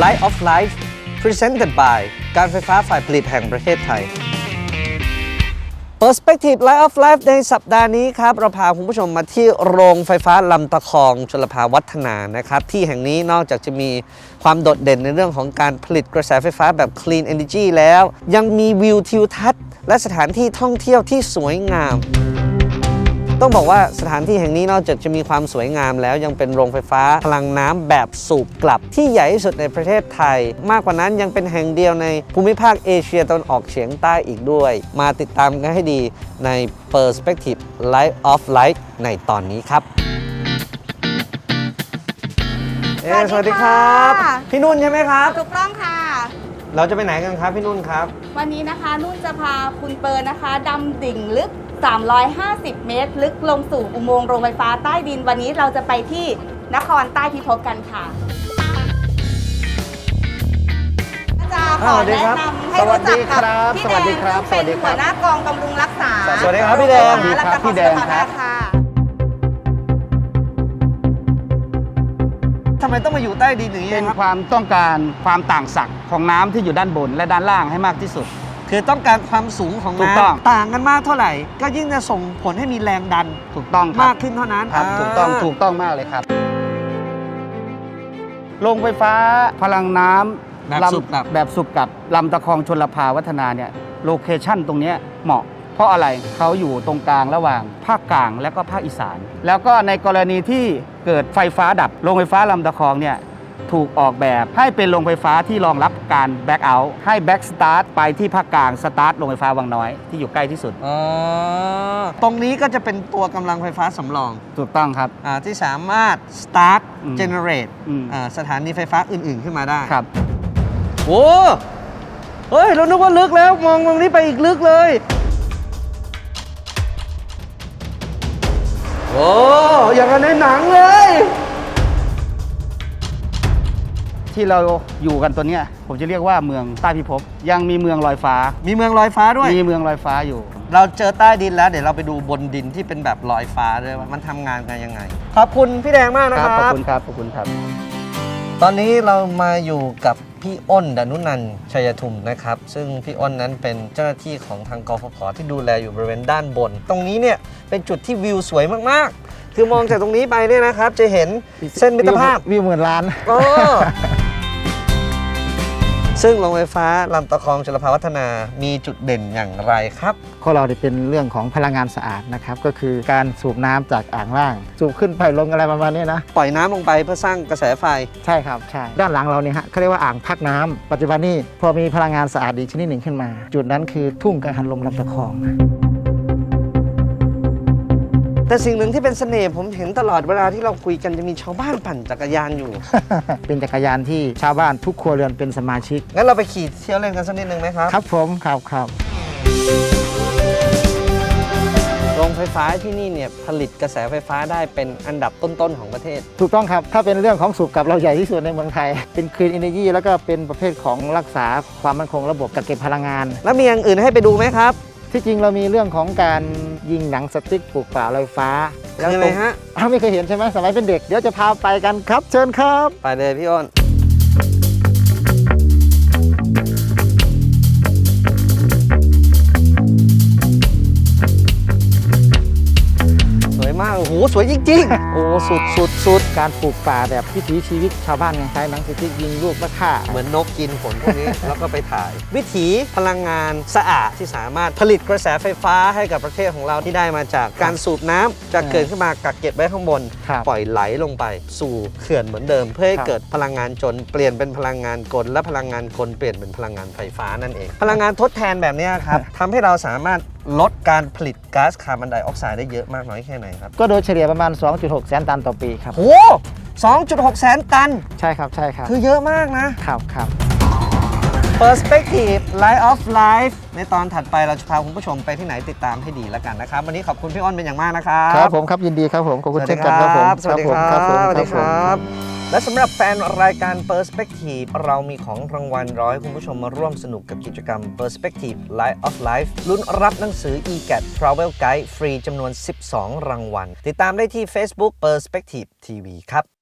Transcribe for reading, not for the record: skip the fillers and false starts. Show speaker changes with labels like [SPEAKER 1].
[SPEAKER 1] Light of Life Presented by การไฟฟ้าฝ่ายผลิตแห่งประเทศไทย Perspective Light of Life ในสัปดาห์นี้ครับเราพาคุณผู้ชมมาที่โรงไฟฟ้าลำตะคองชลภาวัฒนานะครับที่แห่งนี้นอกจากจะมีความโดดเด่นในเรื่องของการผลิตกระแสไฟฟ้าแบบ Clean Energy แล้วยังมีวิวทิวทัศน์และสถานที่ท่องเที่ยวที่สวยงามต้องบอกว่าสถานที่แห่งนี้นอกจากจะมีความสวยงามแล้วยังเป็นโรงไฟฟ้าพลังน้ำแบบสูบกลับที่ใหญ่ที่สุดในประเทศไทยมากกว่านั้นยังเป็นแห่งเดียวในภูมิภาคเอเชียตะวันออกเฉียงใต้อีกด้วยมาติดตามกันให้ดีใน Perspective Light of Life ในตอนนี้ครับสวัสดีครับพี่นุ่นใช่ไหมครับ
[SPEAKER 2] ถูกต้องค่ะ
[SPEAKER 1] เราจะไปไหนกันครับพี่นุ่นครับ
[SPEAKER 2] วันนี้นะคะนุ่นจะพาคุณเปิร์นะคะดำดิ่งลึก350 เมตรลึกลงสู่อุโมงค์โรงไฟฟ้าใต้ดินวันนี้เราจะไปที่นครใต้พิภพกันค่ะจะขอแนะนำให้รู้จักกับพี่แดงซึ่งเป็นหัวหน้ากองบำรุงรักษา
[SPEAKER 1] สวัสดีครับพี่แดง
[SPEAKER 2] พี่แดงครับ
[SPEAKER 1] ทำไมต้องมาอยู่ใต้ดินอย่างนี้
[SPEAKER 3] เป็น
[SPEAKER 1] ครับ
[SPEAKER 3] ความต้องการความต่างศักย์ของน้ำที่อยู่ด้านบนและด้านล่างให้มากที่สุด
[SPEAKER 1] คือต้องการความสูงของน้ำต่างกันมากเท่าไหร่ก็ยิ่งจะส่งผลให้มีแรงดัน
[SPEAKER 3] ถูกต้อง
[SPEAKER 1] มากขึ้นเท่านั้น
[SPEAKER 3] ครับถูกต้องมากเลยครับโรงไฟฟ้าพลังน้ำแบบสูบกับลำตะคองชลภาวัฒนาเนี่ยโลเคชั่นตรงนี้เหมาะเพราะอะไรเขาอยู่ตรงกลางระหว่างภาคกลางและก็ภาคอีสานแล้วก็ในกรณีที่เกิดไฟฟ้าดับโรงไฟฟ้าลำตะคองเนี่ยถูกออกแบบให้เป็นโรงไฟฟ้าที่รองรับการแบ็กเอาท์ให้แบ็กสตาร์ทไปที่ภาคกลางสตาร์ทโรงไฟฟ้าวังน้อยที่อยู่ใกล้ที่สุด
[SPEAKER 1] ตรงนี้ก็จะเป็นตัวกำลังไฟฟ้าสำรอง
[SPEAKER 3] ถูกต้องครับ
[SPEAKER 1] ที่สามารถสตาร์ทเจเนเรตสถานีไฟฟ้าอื่นๆขึ้นมาได้
[SPEAKER 3] ครับ
[SPEAKER 1] โอ้เฮ้ยเรานึกว่าลึกแล้วมองตรงนี้ไปอีกลึกเลยโอ้อย่างในหนังเลย
[SPEAKER 3] ที่เราอยู่กันตัวเนี้ยผมจะเรียกว่าเมืองใต้พิภพยังมีเมืองลอยฟ้า
[SPEAKER 1] มีเมืองลอยฟ้าด้วย
[SPEAKER 3] มีเมืองลอยฟ้าอยู่
[SPEAKER 1] เราเจอใต้ดินแล้วเดี๋ยวเราไปดูบนดินที่เป็นแบบลอยฟ้าด้วยว่ามันทำงานกันยังไงขอบคุณพี่แดงมากนะครับ
[SPEAKER 3] ขอบคุณครับขอบคุณครับ
[SPEAKER 1] ตอนนี้เรามาอยู่กับพี่อ้น ดนุนันท์ ชัยทุมนะครับซึ่งพี่อ้นนั้นเป็นเจ้าหน้าที่ของทางกฟผ.ที่ดูแลอยู่บริเวณด้านบนตรงนี้เนี่ยเป็นจุดที่วิวสวยมากๆคือมองจากตรงนี้ไปเนี่ยนะครับจะเห็นเส้นมิตรภาพ
[SPEAKER 3] วิวหมื่นล้าน
[SPEAKER 1] ซึ่งโรงไฟฟ้าลำตะคองชลภาวัฒนามีจุดเด่นอย่างไรครับ
[SPEAKER 3] ของเราเป็นเรื่องของพลังงานสะอาดนะครับก็คือการสูบน้ำจากอ่างล่างสูบขึ้นไปลงอะไรประมาณนี้นะ
[SPEAKER 1] ปล่อยน้ำลงไปเพื่อสร้างกระแสไฟ
[SPEAKER 3] ใช่ครับใช่ด้านหลังเราเนี่ยฮะเขาเรียกว่าอ่างพักน้ำปัจจุบันนี้พอมีพลังงานสะอาดอีกชนิดหนึ่งขึ้นมาจุดนั้นคือทุ่งกังหันลมลำตะคอง
[SPEAKER 1] แต่สิ่งหนึ่งที่เป็นเสน่ห์ผมเห็นตลอดเวลาที่เราคุยกันจะมีชาวบ้านปั่นจักรยานอยู่
[SPEAKER 3] เป็นจักรยานที่ชาวบ้านทุกครัวเรือนเป็นสมาชิก
[SPEAKER 1] งั้นเราไปขี่เที่ยวเล่นกันสักนิดนึงไหมครับ
[SPEAKER 3] ครับผมครับ
[SPEAKER 1] โรงไฟฟ้าที่นี่เนี่ยผลิตกระแสไฟฟ้าได้เป็นอันดับต้นๆของประเทศ
[SPEAKER 3] ถูกต้องครับถ้าเป็นเรื่องของสูบกับเราใหญ่ที่สุดในเมืองไทยเป็นคลีนเอเนจีแล้วก็เป็นประเภทของรักษาความมั่นคงระบบกักเก็บพลังงาน
[SPEAKER 1] แล้วมีอย่างอื่นให้ไปดูไหมครับ
[SPEAKER 3] ที่จริงเรามีเรื่องของการยิงหนังสติ๊กปลูกป่าลอยฟ้า
[SPEAKER 1] แล้วอะไรฮะ
[SPEAKER 3] ไม่เคยเห็นใช่ไหมสมัยเป็นเด็กเดี๋ยวจะพาไปกันครับเชิญครับ
[SPEAKER 1] ไปเลยพี่อ้นสวยมากโอ้โหสวยจริงๆโอ้สุด
[SPEAKER 3] การปลูกป่าแบบวิถีชีวิตชาวบ้านไงใช้หนังสติ๊กยิงลูกและฆ่า
[SPEAKER 1] เหมือนนกกินผลพวกนี้ แล้วก็ไปถ่ายวิถีพลังงานสะอาดที่สามารถผลิตกระแสไฟฟ้าให้กับประเทศของเราที่ได้มาจากการสูบน้ำจากเกิดขึ้นมากักเก็บไว้ข้างบนปล่อยไหลลงไปสู่เขื่อนเหมือนเดิมเพื่อให้เกิดพลังงานจนเปลี่ยนเป็นพลังงานกลและพลังงานกลเปลี่ยนเป็นพลังงานไฟฟ้านั่นเองพลังงานทดแทนแบบนี้ครับทำให้เราสามารถลดการผลิตก๊าซคาร์บอนไดออกไซด์ได้เยอะมากน้อยแค่ไหนครับ
[SPEAKER 3] ก็โดยเฉลี่ยประมาณ 2.6 แสนตันต่อปีครับ
[SPEAKER 1] โอ้2.6 แสนตัน
[SPEAKER 3] ใช่ครับ
[SPEAKER 1] คือเยอะมากนะครับ Perspective Light of Life ในตอนถัดไปเราจะพาคุณผู้ชมไปที่ไหนติดตามให้ดีแล้วกันนะครับวันนี้ขอบคุณพี่อ้นเป็นอย่างมากนะครับ
[SPEAKER 3] ครับผมครับยินดีครับผมขอบคุณเช่นกันครับผม
[SPEAKER 1] สวัสดีครับสวัสดีครับและสำหรับแฟนรายการ Perspective เรามีของรางวัลรอให้คุณผู้ชมมาร่วมสนุกกับกิจกรรม Perspective Light of Life ลุ้นรับหนังสือ eGAT Travel Guide ฟรีจำนวน 12 รางวัลติดตามได้ที่ Facebook Perspective TV ครับ